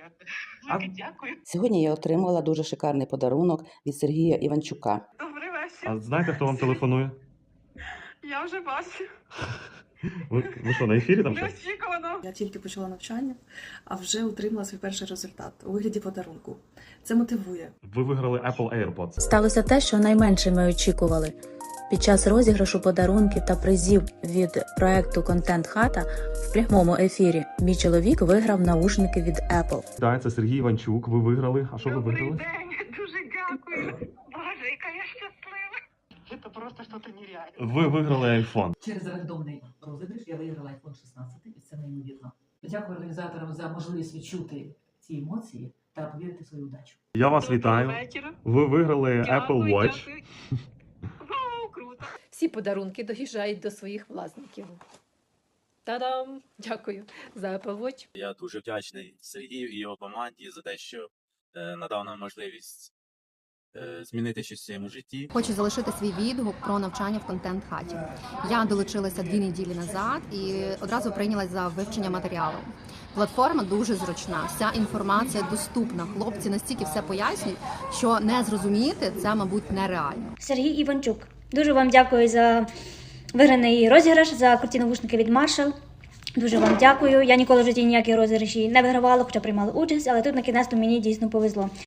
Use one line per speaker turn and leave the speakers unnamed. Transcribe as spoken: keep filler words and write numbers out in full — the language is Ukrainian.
А-
Велике дякую.
Сьогодні я отримала дуже шикарний подарунок від Сергія Іванчука.
Добрий вечір.
А знаєте, хто вам телефонує?
Я вже бачу.
Ви, ви що, на ефірі там щось?
Неочікувано.
Я тільки почала навчання, а вже отримала свій перший результат у вигляді подарунку. Це мотивує.
Ви виграли Apple AirPods.
Сталося те, що найменше ми очікували. Під час розіграшу подарунків та призів від проекту «Контент Хата» в прямому ефірі мій чоловік виграв наушники від Apple.
Так, це Сергій Іванчук. Ви виграли. А що ви
Добрий
виграли?
день. Дуже дякую. Боже, яка я щаслива. Це просто щось нереальне.
Ви виграли iPhone.
Через рандомний розіграш я виграла айфон шістнадцять, і це неймовірно. Дякую організаторам за можливість відчути ці емоції та повірити в свою удачу.
Я вас вітаю.
вечора.
Ви виграли Apple
Дякую,
Watch.
дякую. Вау, круто.
Всі подарунки доїжджають до своїх власників. Та-дам! Дякую за Apple Watch.
Я дуже вдячний Сергію і його команді за те, що е, надав нам можливість е, змінити щось в своєму житті.
Хочу залишити свій відгук про навчання в контент-хаті. Я долучилася дві неділі назад і одразу прийнялась за вивчення матеріалу. Платформа дуже зручна, вся інформація доступна. Хлопці настільки все пояснюють, що не зрозуміти це, мабуть, нереально.
Сергій Іванчук. Дуже вам дякую за виграний розіграш, за круті навушники від Marshall. Дуже вам дякую. Я ніколи в житті ніякі розіграші не вигравала, хоча приймала участь, але тут на кінець мені дійсно повезло.